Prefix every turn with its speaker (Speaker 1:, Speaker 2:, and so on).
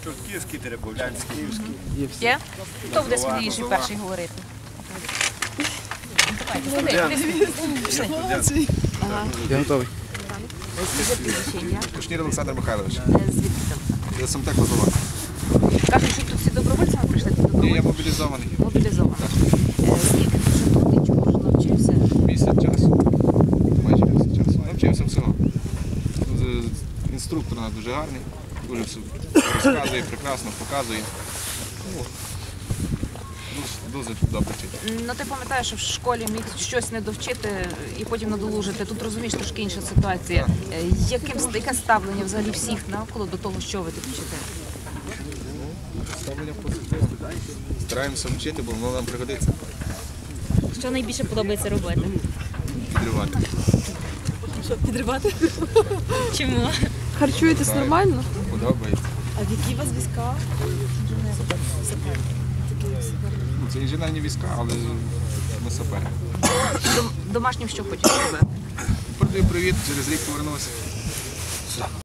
Speaker 1: Чортківський, Теребовлянський.
Speaker 2: Є? Хто буде сміливіший перший говорити?
Speaker 3: Я готовий.
Speaker 4: Кушнір Олександр Михайлович.
Speaker 2: Звідки там?
Speaker 4: Я Самтек Лозова.
Speaker 2: Кажуть, що тут всі добровольцями прийшли, ти
Speaker 4: Ні, я
Speaker 2: добровольцем?
Speaker 4: мобілізований.
Speaker 2: Мобілізовано. Скільки ти вже тут і чому вже навчився?
Speaker 4: Місяць часу. Майже місяць часу. Навчився всього. Інструктор у нас дуже гарний. Дуже все розказує, прекрасно показує. Дуже добре вчить.
Speaker 2: Ну ти пам'ятаєш, що в школі міг щось не довчити і потім надолужити. Тут розумієш трошки інша ситуація. Яке ставлення взагалі всіх навколо до того, що ви тут вчите?
Speaker 4: Ставлення позитивне. Стараємося вчити, бо воно нам пригодиться.
Speaker 5: Що найбільше подобається робити?
Speaker 4: Підривати.
Speaker 5: Що, підривати? Чому?
Speaker 6: Харчуєтесь нормально?
Speaker 4: Подобається.
Speaker 5: А в які у вас війська?
Speaker 4: Ну, це інженерні війська, але ми сапери.
Speaker 2: Домашнім що хочеш робити?
Speaker 4: Передаю привіт, через рік повернуся.